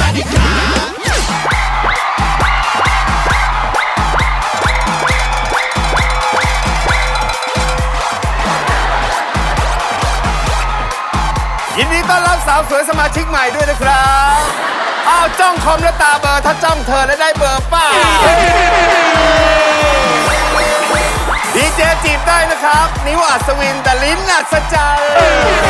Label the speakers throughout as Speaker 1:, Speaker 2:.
Speaker 1: ยินดีต้อนรับสาวสวยสมาชิกใหม่ด้วยนะครับอ้าวจ้องคอมแล้วตาเบอร์ถ้าจ้องเธอแล้วได้เบอร์ป้าดีเจจีบได้นะครับนิ้วอัศวินแต่ลิ้นอัศจรรย์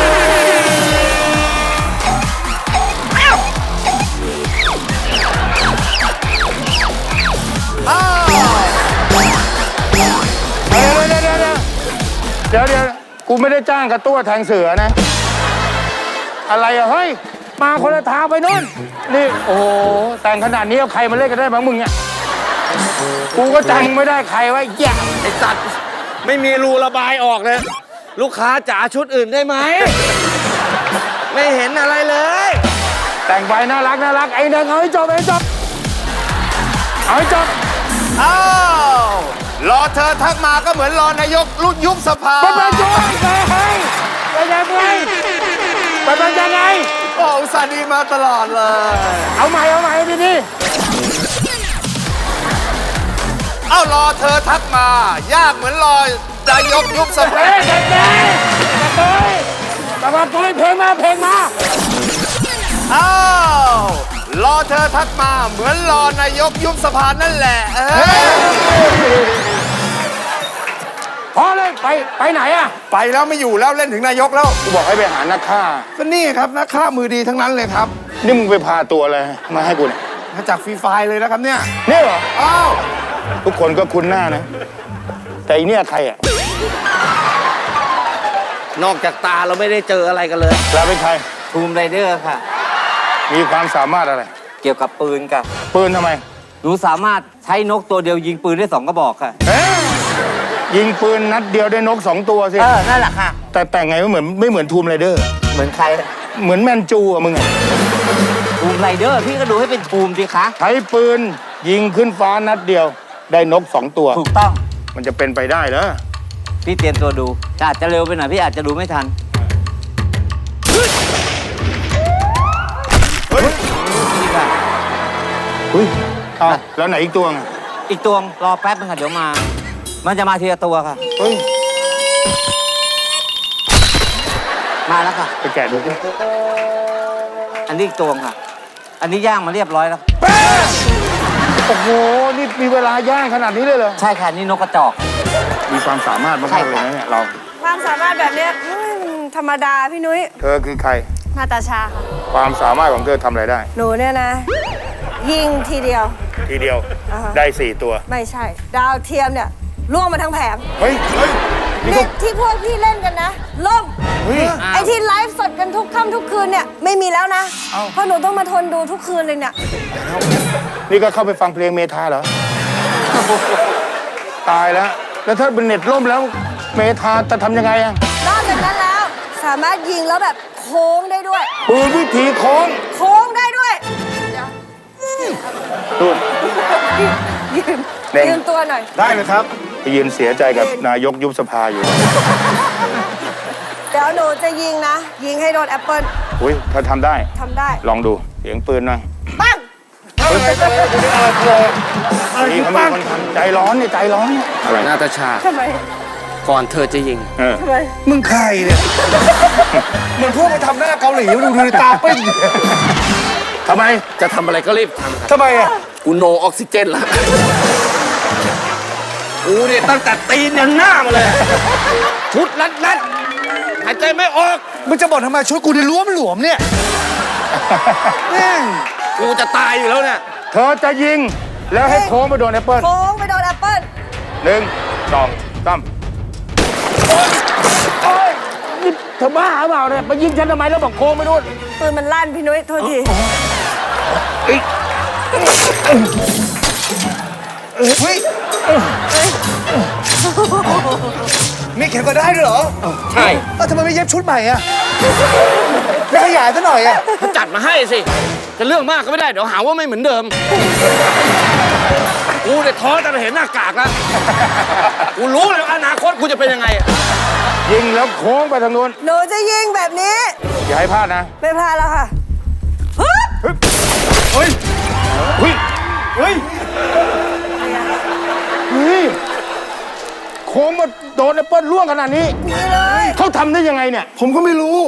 Speaker 2: เดี๋ยวกูไม่ได้จ้างกระตั้วแทงเสือนะอะไรอะเฮ้ยมาคนละทางไปนู่นนี่โอ้โหแต่งขนาดนี้เอาใครมาเล่นกันได้บ้างมึงเนี่ยกูก็จำไม่ได้ใครว่าแย่
Speaker 3: ไอ้สัตว์ไม่มีรูระบายออกเลยลูกค้าจ๋าชุดอื่นได้ไหมไม่เห็นอะไรเลย
Speaker 2: แต่งไปน่ารักไอ้เด้งเอาให้จบ
Speaker 1: อ้าวรอเธอทักมาก็เหมือนรอนายกรุ่นยุบสภา
Speaker 2: ไปช่วยไปยังไง
Speaker 1: โอ้อุตส่าห์ดีมาตลอดเลย
Speaker 2: เอาใหม่ทีนี้
Speaker 1: เอ้ารอเธอทักมายากเหมือนรอนายกยุบสภา
Speaker 2: มาเพลงมา
Speaker 1: อ้าวรอเธอทักมาเหมือนรอนายกยุบสภานั่นแหละ
Speaker 2: พอเลยไปไหนอะ
Speaker 1: ไปแล้วไม่อยู่แล้วเล่นถึงนายกแล้ว
Speaker 2: กูบอกให้ไปหานักฆ่า
Speaker 1: ก็นี่ครับนักฆ่ามือดีทั้งนั้นเลยครับ
Speaker 2: นี่มึงไปพาตัวอะไรมาให้กูเนี่ย
Speaker 1: มาจากฟรีไฟล์เลยนะครับเนี่ย
Speaker 2: นี่เหรอ
Speaker 1: อ้าว
Speaker 2: ทุกคนก็คุ้นหน้านะแต่อีเนี่ยใครอะ
Speaker 3: นอกจากตาเราไม่ได้เจออะไรกันเลย
Speaker 2: เราเป็นใคร
Speaker 3: ทูมไรเดอร์ค่ะ
Speaker 2: มีความสามารถอะไร
Speaker 3: เกี่ยวกับปืนค่ะ
Speaker 2: ปืนทำไม
Speaker 3: หนูสามารถใช้นกตัวเดียวยิงปืนได้2 กระบอกค่ะ
Speaker 2: ยิงปืนนัดเดียวได้นก2 ตัวสิ
Speaker 3: นั่นแหละค่ะ
Speaker 2: แต่ไงไม่เหมือนทูมไรเดอร์
Speaker 3: เหมือนใคร
Speaker 2: เหมือนแมนจูอะมึงอะ
Speaker 3: ทูมไรเดอร์พี่ก็ดูให้เป็นทูมสิคะ
Speaker 2: ใช้ปืนยิงขึ้นฟ้านัดเดียวได้นก2 ตัว
Speaker 3: ถูกต้อง
Speaker 2: มันจะเป็นไปได้เหรอ
Speaker 3: พี่เตรียมตัวดูอาจจะเร็วไปหน่อยพี่อาจจะดูไม่ทันนี่ค่ะ
Speaker 2: แล้วไหนอีกตัวไง
Speaker 3: อีกตัวรอแป๊บนึงค่ะเดี๋ยวมันจะมาทีละตัวค่ะมาแล้วค่ะ
Speaker 2: ไปแกะดูสิ
Speaker 3: อันนี้อีกตัวค่ะอันนี้ย่างมาเรียบร้อยแล้ว
Speaker 2: โอ้โหนี่มีเวลาย่างขนาดนี้เลยเหรอ
Speaker 3: ใช่ค่ะนี่นกกระจอก
Speaker 2: มีความสามารถมากเลยนะเนี่ยเรา
Speaker 4: ความสามารถแบบนี้ธรรมดาพี่นุ้ย
Speaker 2: เธอคือใคร
Speaker 4: นาตาชาค่ะ
Speaker 2: ความสามารถของเธอทำอะไรได้
Speaker 4: หนูเนี่ยนะยิงทีเดียว
Speaker 2: ได้4 ตัว
Speaker 4: ไม่ใช่ดาวเทียมเนี่ยล่วงมาทั้งแผง
Speaker 2: เฮ้ย
Speaker 4: เด็กที่พวกพี่เล่นกันนะล่มไอที่ไลฟ์สดกันทุกค่ำทุกคืนเนี่ยไม่มีแล้วนะเพราะหนูต้องมาทนดูทุกคืนเลยเนี่ย
Speaker 2: นี่ก็เข้าไปฟังเพลงเมทาเหรอตายแล้วถ้าเป็นเน็ตล่มแล้วเมทาจะทำยังไงอะ
Speaker 4: นอกจากนั้นแล้วสามารถยิงแล้วแบบโค้งได้ด้วย
Speaker 2: ปืนวิธีโค้
Speaker 4: งได้ด้วยยืนตัวหน่อย
Speaker 1: ได้เลยครับ
Speaker 2: ไปยืนเสียใจกับนายกยุบสภาอยู่
Speaker 4: เดี๋ยวหนูจะยิงนะยิงให้โดนแอปเปิ้ล
Speaker 2: อุ้ยถ้าทำได้ลองดูเสียงปืนหน่อย
Speaker 4: ปั้ง
Speaker 2: นี่เขามีคนทำใจร้อนเนี่ย
Speaker 3: อะไรนาตาชา
Speaker 4: ทำไม
Speaker 3: ก่อนเธอจะยิง
Speaker 4: ทำไม
Speaker 1: มึงใครเนี่ยเหมือนพวกไปทำหน้าเกาหลีดูตาปิ้ง
Speaker 2: ทำไม
Speaker 3: จะทำอะไรก็รีบทำ
Speaker 1: ทำไมอ่ะ
Speaker 3: กูโนออกซิเจนแล้วกูเนี่ยตั้งแต่ตีนยันหน้ามาเลยชุดรัดหายใจไม่ออก
Speaker 1: มึงจะบอกทำไมชุดกูนี่หลวมเนี่ย
Speaker 3: กูจะตายอยู่แล้วเนี่ย
Speaker 2: เธอจะยิงแล้วให้โค้งไปโดนแอปเปิ้ล
Speaker 4: 1 2 3
Speaker 2: นี่เธอบ้าหรือเปล่าเนี่ยมายิงฉันทำไมแล้วบอกโค้งไปนู่น
Speaker 4: ปืนมันลั่นพี่นุ้ยโทษที
Speaker 1: มีเข็มก็ได้ด้วยเหรอ
Speaker 3: ใช่
Speaker 1: ทำไมไม่เย็บชุดใหม่อ่ะไม่ขยายซะหน่อยอ่ะ
Speaker 3: จัดมาให้สิจะเรื่องมากก็ไม่ได้เดี๋ยวหาว่าไม่เหมือนเดิมกูเนี่ยท้อแต่เห็นหน้ากากแล้วกูรู้เลยอนาคตกูจะเป็นยังไง
Speaker 2: ยิงแล้วโค้งไปทางนู้น
Speaker 4: หนูจะยิงแบบนี้
Speaker 2: อย่าให้พลาดนะ
Speaker 4: ไม่พลาดแล้วค่ะ
Speaker 2: ดนแอปเปิ้ลร่วงขนาดนี้
Speaker 4: นี่เลย
Speaker 2: เขาทำได้ยังไงเนี่ย
Speaker 1: ผมก็ไม่รู้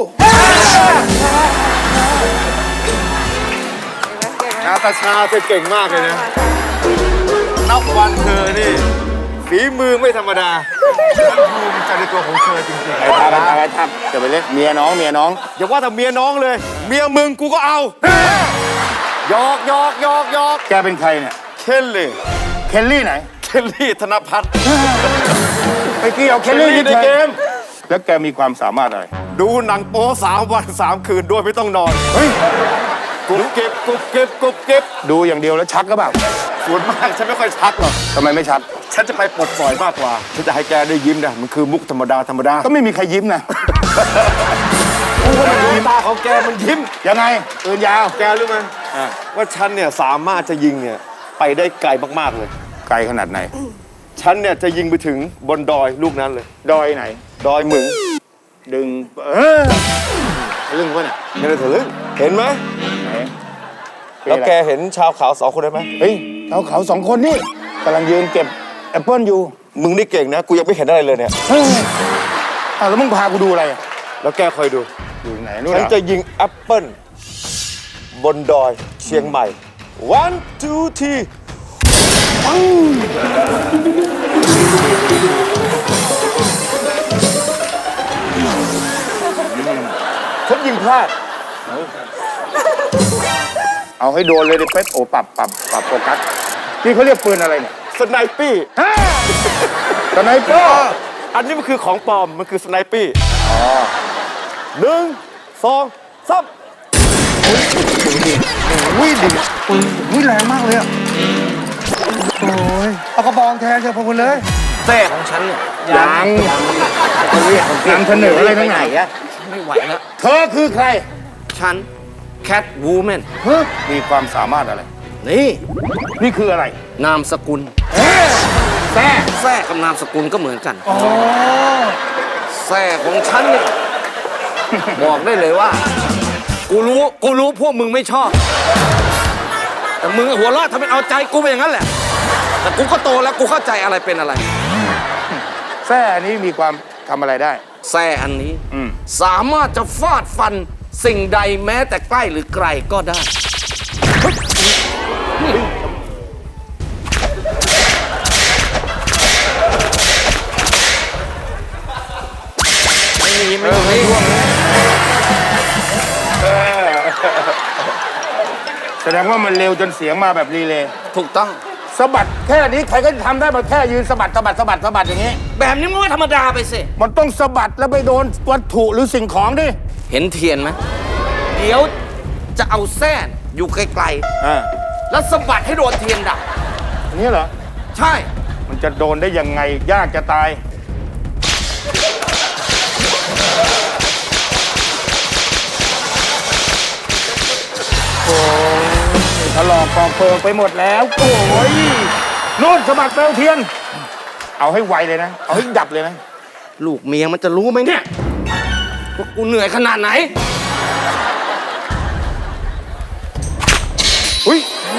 Speaker 1: นาตาชาเธอเก่งมากเลยนะ นับวันเธอนี่ฝีมือไม่ธรรมดาฉันภูมิใจในตัวของเธอจริงๆ
Speaker 2: ไอ้ทับจะไปเล่นเมียน้อง
Speaker 1: อย่าว่าแต่เมียน้องเลย เมียมึงกูก็เอาหยอกหยอกหยอกหยอก
Speaker 2: แกเป็นใครเนี่ย
Speaker 1: เคลลี่
Speaker 2: เคลลี่ไหน
Speaker 1: เคลลี่ธนพัฒน์
Speaker 2: ไปเกี่ยวเคลลี่ในเกม แล้วแกมีความสามารถอะไร
Speaker 1: ดูหนังโป๊3 วัน 3 คืนด้วยไม่ต้องนอน
Speaker 2: เฮ้ย
Speaker 1: กุ๊บเก็บกุ๊บเก็บกุ๊บเก็บ
Speaker 2: ดูอย่างเดียวแล้วชักก็แบบ
Speaker 1: ส่วนมากฉันไม่ค่อยชักหรอก
Speaker 2: ทำไมไม่ชัก
Speaker 1: ฉันจะไปปลดปล่อยมากกว่าฉันจะให้แกได้ยิ้มนะมันคือมุกธรรมดาธรรมดา
Speaker 2: ก็ไม่มีใครยิ้มนะ
Speaker 1: ตาของแกมันยิ้ม
Speaker 2: ยังไงปืนยาว
Speaker 1: แกรู้ไหมว่าฉันเนี่ยสามารถจะยิงเนี่ยไปได้ไกลมากๆเลย
Speaker 2: ไกลขนาดไหน
Speaker 1: ฉันเนี่ยจะยิงไปถึงบนดอยลูกนั้นเลย
Speaker 2: ดอยไหน
Speaker 1: ดอยหมึง
Speaker 2: ดึงเรื่องวะเนี่ย
Speaker 1: ไม่ได้ทะลึ่งเห็นไหม
Speaker 2: ไหน
Speaker 1: แล้วแกเห็นชาวเขา2 คนได้ไหม
Speaker 2: เฮ้ยเขาสองคนนี่กำลังยืนเก็บแอปเปิ้ลอยู่
Speaker 1: มึงนี่เก่งนะกูยังไม่เห็นอะไรเลยเนี่ย
Speaker 2: เฮ้ยแล้วมึงพากูดูอะไรอะ
Speaker 1: แล้วแกคอยดู
Speaker 2: อยู่ไหนนู่น
Speaker 1: ฉัน
Speaker 2: เหรอ
Speaker 1: จะยิงแอปเปิ้ลบนดอยเชียงใหม่ one two three ฉันยิงพลาด
Speaker 2: เอาให้โดนเลยดิเป๊ะโอ้ปรับโฟกัสนี่เขาเรียกปืนอะไรเนี่ย
Speaker 1: สไนปี้
Speaker 2: สไนเปอร์
Speaker 1: อันนี้มันคือของปลอม มันคือสไนปี้
Speaker 2: อ๋อ
Speaker 1: 1 2 3
Speaker 5: อุ้ยแรงมากเลยอ่ะ โอ้ย เอากระบองแทนเถอะพวกคุณเลย
Speaker 3: แท้ของฉันเนี่ย
Speaker 2: ยังนำเสนออะไรทั้งไหนอะ
Speaker 3: ไม่ไหวแล้ว
Speaker 2: เธอคือใคร
Speaker 3: ฉันแคทวูแมน
Speaker 2: มีความสามารถอะไร
Speaker 3: นี่
Speaker 2: นี่คืออะไร
Speaker 3: นามสกุล
Speaker 2: แซ่
Speaker 3: แท้กับนามสกุลก็เหมือนกันแท้ของฉันเนี่ยบอกได้เลยว่า กูรู้พวกมึงไม่ชอบ แต่มึงหัวเราะทำเป็นเอาใจกูไปอย่างนั้นแหละ แต่กูก็โตแล้วกูเข้าใจอะไรเป็นอะไร
Speaker 2: แซ่อันนี้มีความทำอะไรได้
Speaker 3: แท้อันนี้
Speaker 2: อืม
Speaker 3: สามารถจะฟาดฟันสิ่งใดแม้แต่ใกล้หรือไกลก็ได้ ไม่มี
Speaker 2: แสดงว่ามันเร็วจนเสียงมาแบบรีเลย์
Speaker 3: ถูกต้อง
Speaker 2: สะบัดแค่นี้ใครก็ทำได้มาแค่ยืนสะบัดอย่างนี้
Speaker 3: แบบนี้มันก็ธรรมดาไปสิ
Speaker 2: มันต้องสะบัดแล้วไปโดนวัตถุหรือสิ่งของดิ
Speaker 3: เห็นเทียนไหมเดี๋ยวจะเอาแส้นอยู่ไกล
Speaker 2: อ่า
Speaker 3: ๆ แล้วสะบัดให้โดนเทียนดับ
Speaker 2: อันนี้เหรอ
Speaker 3: ใช่
Speaker 2: มันจะโดนได้ยังไงยากจะตายโอ้ยถลอกปอกเปิงไปหมดแล้ว โอ้ยนู่นสะบัดเปลวเทียน เอาให้ไวเลยนะ เอาให้ดับเลยนะ
Speaker 3: ลูกเมียมันจะรู้ไหมเนี่ยว่ากูเหนื่อยขนาดไหน
Speaker 2: อุ้ย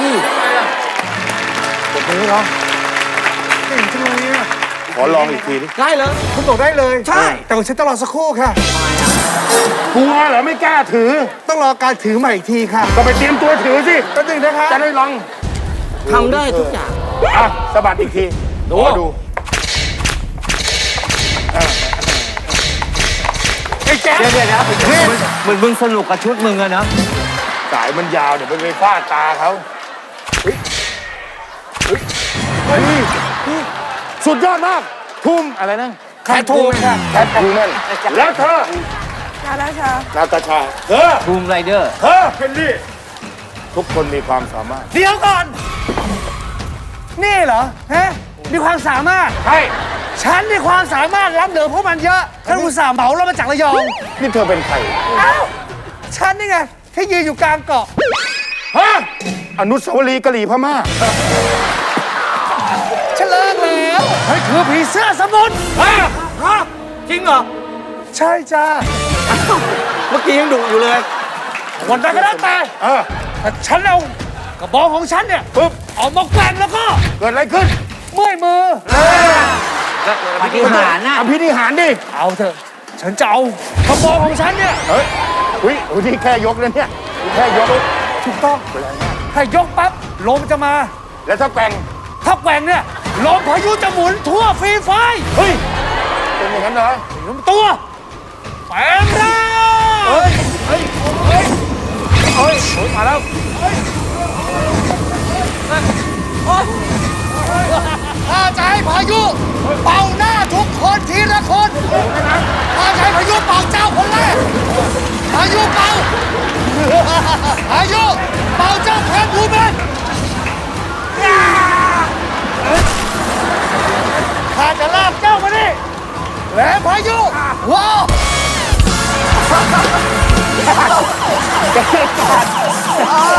Speaker 5: ผมนี้เหรอเก่งจังเลยอ่ะ
Speaker 2: ขอลองอีกทีดิ
Speaker 3: ได้เลย
Speaker 5: คุณบอกได้เลย
Speaker 3: ใช่
Speaker 5: แต่ว่าฉันต้องรอสักครู่ค่ะ
Speaker 2: กลัวเหรอไม่กล้าถือ
Speaker 5: ต้องรอการถือใหม่อีกทีค่ะ
Speaker 2: ก็ไปเตรียมตัวถือสิ
Speaker 5: แป๊บนึงนะคะ
Speaker 2: จะได้ลอง
Speaker 3: ทำได้ทุกอย่าง
Speaker 2: อ่ะสะบัดอีกที
Speaker 3: ดู
Speaker 2: ขอดูไอ้แจ๊ค
Speaker 6: เดี๋ยวเหมือนมึงสนุกกับชุดมึงอะนะ
Speaker 2: สายมันยาวเดี๋ยวไปฟาดตาเขาเฮ้ยสุดยอดมากทุ่มอะไรนะ
Speaker 3: แคททูม
Speaker 2: แคททูแมนแล้วเธอ
Speaker 4: นาราชา
Speaker 2: นาตาชาเธอ
Speaker 6: บูมไรเดอร์
Speaker 2: เธอเพนลี่ทุกคนมีความสามารถ
Speaker 5: เดี๋ยวก่อน นี่เหรอ ฮะ มีความสามารถ
Speaker 2: ใช่
Speaker 5: ฉันมีความสามารถรับเหนือพวกมันเยอะฉันอุตส่าห์เหมาเรามาจากระยอง
Speaker 2: นี่เธอเป็นใคร
Speaker 5: เอ้า ฉันนี่ไงที่ยืนอยู่กลางเกาะ
Speaker 2: ฮะอนุสาวรีย์กะหรี่พม่า
Speaker 5: ฉันเลิกแล้วเฮ้ยคือผีเสื้อสมุทร
Speaker 3: จริงเหรอ
Speaker 5: ใช่จ้า
Speaker 3: เมื่อกี้ยังดุอยู่เลย
Speaker 5: วันใดก็แล้วแต่
Speaker 2: เออ
Speaker 5: ถ้าฉันเอากระบอกของฉันเนี่ย
Speaker 2: ปึ๊บ
Speaker 5: ออกมาแกว่งแล้วก็
Speaker 2: เกิดอะไรขึ้น
Speaker 5: เมื่อยมือ
Speaker 6: ปาฏิหาริย์น่ะ
Speaker 2: อภินิหารดิ
Speaker 5: เอาเถอะ ฉันจะเอากระบองของฉันเนี่ย
Speaker 2: เฮ้ยอุ้ยนี่แค่ยกนะเนี่ยแค่ยก
Speaker 5: ถูกต้องถ้ายกปั๊บลมจะมา
Speaker 2: แล้วถ้าแกว่ง
Speaker 5: ถ้าแกว่งเนี่ยลมพายุจะหมุนทั่วฟรีไฟ
Speaker 2: เฮ้ยเป็นอย่างนั้นเหรอ
Speaker 5: ลมตัวแปลงร่าง
Speaker 2: เฮ้ยมาแล้ว
Speaker 5: ถ้าจะให้พายุเป่าหน้าทุกคนทีละคนถ้าจะให้พายุเป่าเจ้าคนแรกพายุเป่าพายุเป่าเจ้าแทนบูเบนข้าจะลากเจ้ามานี่แหลมพายุว้าว
Speaker 2: จะเกิดการ